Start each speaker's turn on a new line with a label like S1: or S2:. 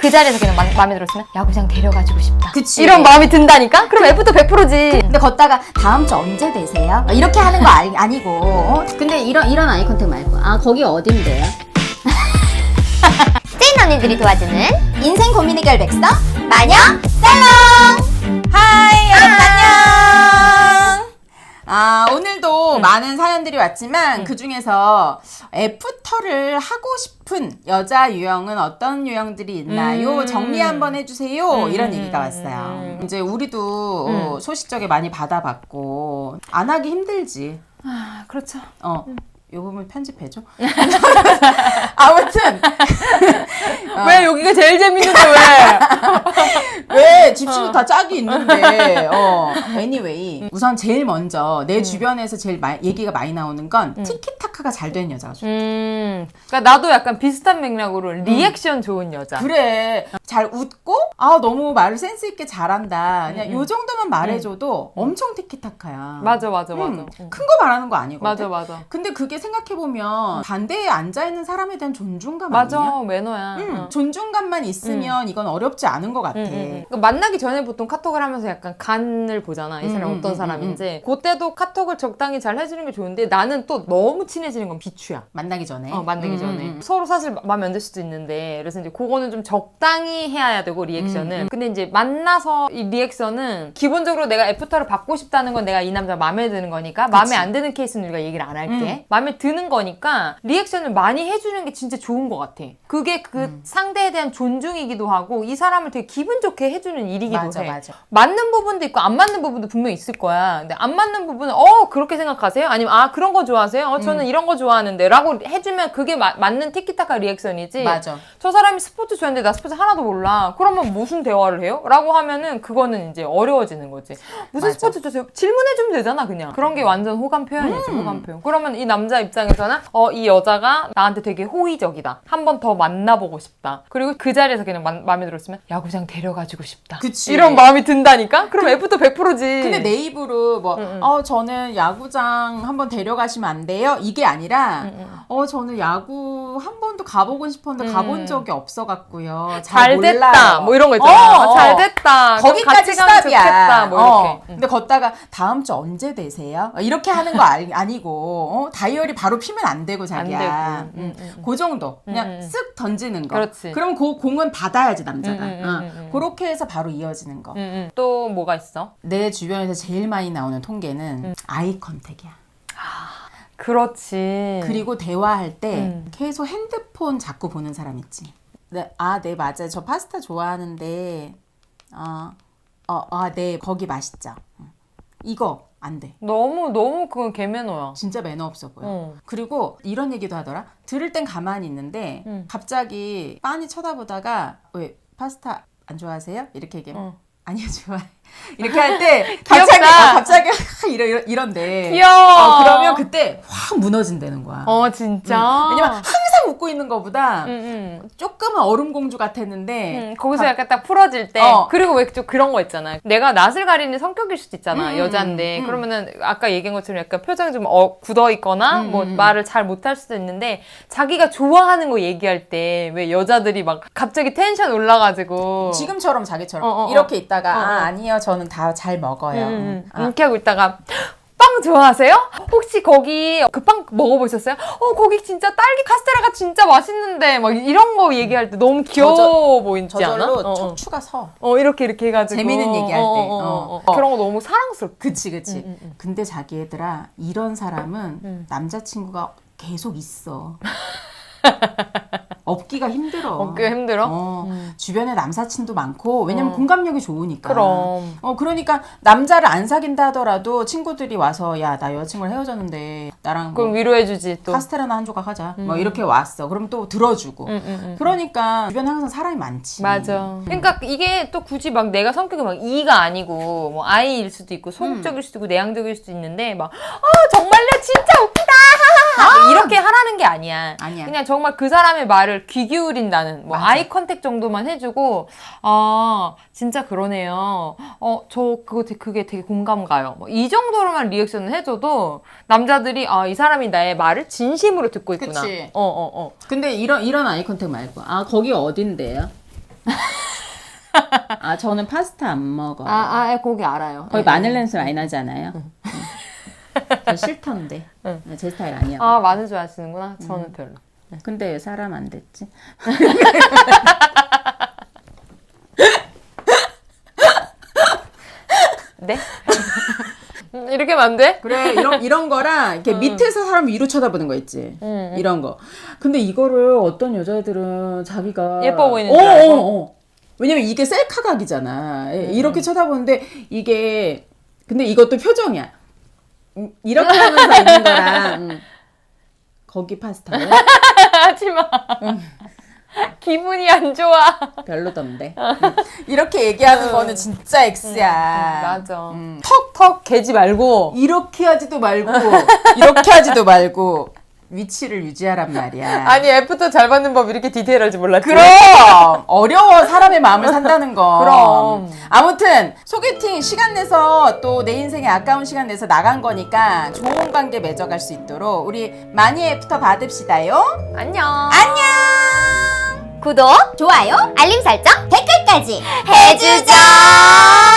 S1: 그 자리에서 그냥 마음에 들었으면 야구장 데려가지고 싶다.
S2: 그치.
S1: 이런 마음이 든다니까? 그럼 F도 100%지.
S2: 근데 걷다가 다음 주 언제 되세요? 이렇게 하는 거 아니고. 근데 이런 아이 컨택 말고 아 거기 어딘데요?
S1: 찐 언니들이 도와주는
S2: 인생 고민 해결 백서
S1: 마녀
S2: 살롱. 하이 여러분 안녕. 오늘도 많은 사연들이 왔지만 그 중에서 애프터를 하고 싶은 여자 유형은 어떤 유형들이 있나요? 정리 한번 해주세요. 이런 얘기가 왔어요. 이제 우리도 소식적에 많이 받아봤고 안 하기 힘들지.
S1: 그렇죠.
S2: 요 부분 편집해줘. 아무튼
S1: 왜 여기가 제일 재밌는데
S2: 왜 집신도 다 짝이 있는데 anyway 우선 제일 먼저 내 주변에서 제일 얘기가 많이 나오는 건 티키타카가 잘 되는 여자가 좋다.
S1: 그러니까 나도 약간 비슷한 맥락으로 리액션 좋은 여자.
S2: 그래 잘 웃고 너무 말을 센스 있게 잘한다. 그냥 요 정도만 말해줘도 엄청 티키타카야.
S1: 맞아.
S2: 큰 거 말하는 거 아니거든.
S1: 맞아.
S2: 근데 그게 생각해보면 반대에 앉아있는 사람에 대한 존중감
S1: 맞아,
S2: 아니야?
S1: 매너야.
S2: 존중감만 있으면 이건 어렵지 않은 것 같아.
S1: 그러니까 만나기 전에 보통 카톡을 하면서 약간 간을 보잖아. 이 사람이 어떤 사람인지. 그때도 카톡을 적당히 잘 해주는 게 좋은데 나는 또 너무 친해지는 건 비추야.
S2: 만나기 전에.
S1: 만나기 전에. 서로 사실 마음에 안 들 수도 있는데 그래서 이제 그거는 좀 적당히 해야 되고 리액션은. 근데 이제 만나서 이 리액션은 기본적으로 내가 애프터를 받고 싶다는 건 내가 이 남자 마음에 드는 거니까 마음에 안 드는 케이스는 우리가 얘기를 안 할게. 마음에 드는 거니까 리액션을 많이 해주는 게 진짜 좋은 것 같아. 그게 그 상대에 대한 존중이기도 하고 이 사람을 되게 기분 좋게 해주는 일이기도 해.
S2: 맞아.
S1: 맞는 부분도 있고 안 맞는 부분도 분명히 있을 거야. 근데 안 맞는 부분은 그렇게 생각하세요? 아니면 그런 거 좋아하세요? 저는 이런 거 좋아하는데 라고 해주면 그게 맞는 티키타카 리액션이지.
S2: 맞아.
S1: 저 사람이 스포츠 좋아하는데 나 스포츠 하나도 몰라. 그러면 무슨 대화를 해요? 라고 하면은 그거는 이제 어려워지는 거지. 무슨
S2: 맞아.
S1: 스포츠 좋아하세요? 질문해주면 되잖아 그냥. 그런 게 완전 호감 표현이지. 호감 표현. 그러면 이 남자 입장에서는 이 여자가 나한테 되게 호의적이다. 한 번 더 만나보고 싶다. 그리고 그 자리에서 그냥 마음에 들었으면 야구장 데려가지고 싶다.
S2: 그치.
S1: 이런 마음이 든다니까? 그럼 F도 100%지.
S2: 근데 내 입으로 저는 야구장 한번 데려가시면 안 돼요? 이게 아니라 저는 야구 한 번도 가보고 싶었는데 가본 적이 없어갖고요.
S1: 잘 됐다.
S2: 몰라요.
S1: 뭐 이런 거 있잖아. 잘 됐다.
S2: 거기까지
S1: 같이 가면
S2: 스탑이야.
S1: 좋겠다. 뭐 이렇게.
S2: 근데 걷다가 다음 주 언제 되세요? 이렇게 하는 거 아니고 다이어리 바로 피면 안 되고 자기야. 그 정도. 그냥 쓱 던지는 거.
S1: 그렇지.
S2: 그럼 그 공은 받아야지 남자가. 그렇게 해서 바로 이어지는 거.
S1: 또 뭐가 있어?
S2: 내 주변에서 제일 많이 나오는 통계는 아이 컨택이야.
S1: 그렇지.
S2: 그리고 대화할 때 계속 핸드폰 자꾸 보는 사람 있지. 네, 맞아요. 저 파스타 좋아하는데 네, 거기 맛있죠. 이거 안 돼.
S1: 너무 그건 개매너야.
S2: 진짜 매너 없어 보여. 그리고 이런 얘기도 하더라. 들을 땐 가만히 있는데 갑자기 빤히 쳐다보다가 왜 파스타 안 좋아하세요? 이렇게 얘기하면 아니요 좋아해. 이렇게 할 때 갑자기 이런데.
S1: 귀여워.
S2: 그러면 그때 확 무너진다는 거야.
S1: 진짜.
S2: 왜냐면 항상 웃고 있는 거보다 조금은 얼음공주 같았는데
S1: 거기서 약간 딱 풀어질 때 그리고 왜 좀 그런 거 있잖아. 내가 낯을 가리는 성격일 수도 있잖아. 여잔데 그러면은 아까 얘기한 것처럼 약간 표정이 좀 굳어 있거나 뭐 말을 잘 못할 수도 있는데 자기가 좋아하는 거 얘기할 때 왜 여자들이 막 갑자기 텐션 올라가지고
S2: 지금처럼 자기처럼 이렇게 있다가 아니요 저는 다 잘 먹어요.
S1: 이렇게 하고 있다가 빵 좋아하세요? 혹시 거기 그 빵 먹어보셨어요? 거기 진짜 딸기 카스테라가 진짜 맛있는데 막 이런 거 얘기할 때 너무 귀여워 보이지 않아?
S2: 저절로 척추가 서.
S1: 이렇게 해가지고
S2: 재밌는 얘기할 때.
S1: 그런 거 너무 사랑스럽고.
S2: 그치. 근데 자기 애들아 이런 사람은 남자친구가 계속 있어. 없기가 힘들어. 주변에 남사친도 많고 왜냐면 공감력이 좋으니까.
S1: 그럼.
S2: 그러니까 남자를 안 사귄다 하더라도 친구들이 와서 야 나 여자친구랑 헤어졌는데 나랑
S1: 그럼 위로해주지 또.
S2: 카스테라나 한 조각 하자. 뭐 이렇게 왔어. 그럼 또 들어주고. 그러니까 주변에 항상 사람이 많지.
S1: 맞아. 그러니까 이게 또 굳이 막 내가 성격이 막 E가 아니고 뭐 I일 수도 있고 소극적일 수도 있고 내향적일 수도 있는데 막 정말요 진짜 웃기다 이렇게 하라는 게 아니야. 그냥 정말 그 사람의 말을 귀 기울인다는 뭐 아이 컨택 정도만 해주고 진짜 그러네요. 그게 되게 공감 가요. 뭐 이 정도로만 리액션을 해줘도 남자들이 이 사람이 나의 말을 진심으로 듣고 있구나.
S2: 그치. 근데 이런 아이 컨택 말고 거기 어딘데요? 아 저는 파스타 안 먹어요.
S1: 고기 알아요.
S2: 거의 마늘 냄새 많이 나지 않아요? 저 싫던데. 제 스타일 아니야.
S1: 아, 마늘 좋아하시는구나. 저는 별로.
S2: 근데 왜 사람 안 됐지?
S1: 네? 이렇게 하면 안 돼?
S2: 그래 이런 거랑 이렇게 밑에서 사람 위로 쳐다보는 거 있지. 이런 거. 근데 이거를 어떤 여자애들은 자기가
S1: 예뻐 보이는 줄 알고.
S2: 왜냐면 이게 셀카 각이잖아. 이렇게 쳐다보는데 이게 근데 이것도 표정이야. 이렇게 하면서 있는 거랑 거기 파스타는
S1: 하지마. 기분이 안 좋아.
S2: 별로던데. 이렇게 얘기하는 거는 진짜 X야.
S1: 맞아. 턱 개지 말고.
S2: 이렇게 하지도 말고 이렇게 하지도 말고 위치를 유지하란 말이야.
S1: 아니, 애프터 잘 받는 법 이렇게 디테일할지 몰랐지.
S2: 그럼 어려워 사람의 마음을 산다는 거.
S1: 그럼.
S2: 아무튼 소개팅 시간 내서 또 내 인생에 아까운 시간 내서 나간 거니까 좋은 관계 맺어갈 수 있도록 우리 많이 애프터 받읍시다요.
S1: 안녕.
S3: 안녕. 구독, 좋아요, 알림 설정, 댓글까지 해주죠.